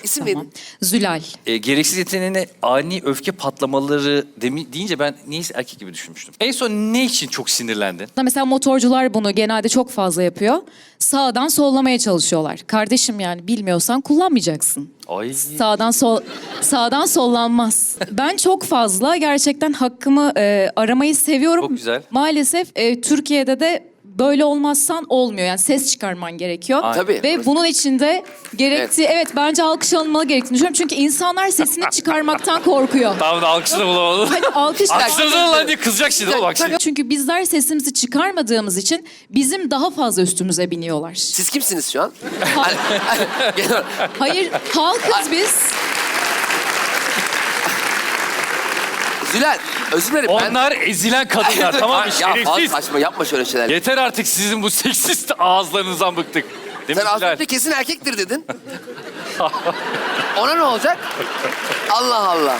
İsim Tamam. neydi? Zülal. Gereksiz yeteneğine ani öfke patlamaları deyince ben niyeyse erkek gibi düşünmüştüm. En son ne için çok sinirlendin? Mesela motorcular bunu genelde çok fazla yapıyor. Sağdan sollamaya çalışıyorlar. Kardeşim yani bilmiyorsan kullanmayacaksın. Ay. Sağdan sollanmaz. Ben çok fazla gerçekten hakkımı aramayı seviyorum. Çok güzel. Maalesef Türkiye'de de böyle olmazsan olmuyor. Yani ses çıkarman gerekiyor. Aynen. Tabii. Ve bunun içinde evet bence alkış alınmalı gerektiğini düşünüyorum. Çünkü insanlar sesini çıkarmaktan korkuyor. Tamam da alkışını bulamadım. Hadi alkış. Alkışladın lan diye kızacak şimdi oğlum bak şimdi. Çünkü bizler sesimizi çıkarmadığımız için bizim daha fazla üstümüze biniyorlar. Siz kimsiniz şu an? Hayır, halkız biz. Zülal, özür dilerim. Onlar ezilen kadınlar tamam mı? Ya fazla Şerefsiz. saçma yapma şöyle şeyler. Yeter artık sizin bu seksist ağızlarınızdan bıktık. Değil mi Sen az Zülal? önce kesin erkektir dedin. Ona ne olacak? Allah Allah.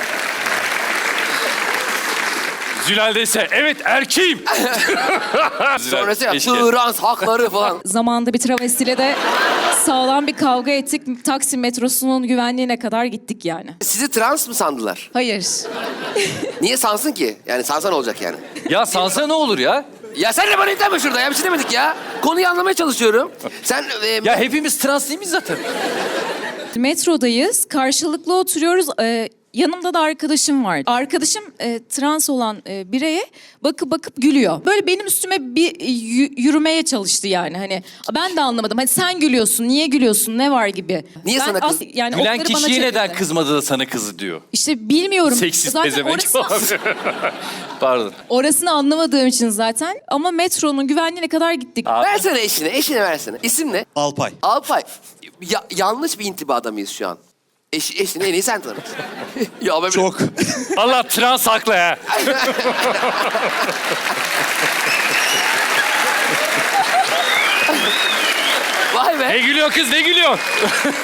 Zülal dese evet erkeğim. Zülal, Sonrası ya keşke. trans hakları falan. Zamanında bir travestiyle de sağlam bir kavga ettik. Taksim metrosunun güvenliğine kadar gittik yani. Sizi trans mı sandılar? Hayır. Niye sansın ki? Yani sansa ne olacak yani? Ya sansa ne olur ya? Ya sen de bana ithame şurada ya. Bir şey demedik ya. Konuyu anlamaya çalışıyorum. Sen... Ya hepimiz trans değil miyiz zaten? Metrodayız. Karşılıklı oturuyoruz. Yanımda da arkadaşım var. Arkadaşım trans olan bireye bakıp gülüyor. Böyle benim üstüme bir yürümeye çalıştı yani. Hani ben de anlamadım. Hani sen gülüyorsun, niye gülüyorsun, ne var gibi. Niye sana kız- Yani Gülen okları bana kişiye neden çevirdi. kızmadı da sana kızı diyor. İşte bilmiyorum. Seksist Zaten pezevenk. Pardon. orasını anlamadığım için zaten. Ama metronun güvenliğine kadar gittik. Versene eşine. Eşine versene. İsim ne? Alpay. Alpay. Yanlış bir intibada mıyız şu an? Eşini en iyi sen tanırsın. Ya ben Çok. Allah trans haklı ha. Vay be. Ne gülüyor kız ne gülüyor?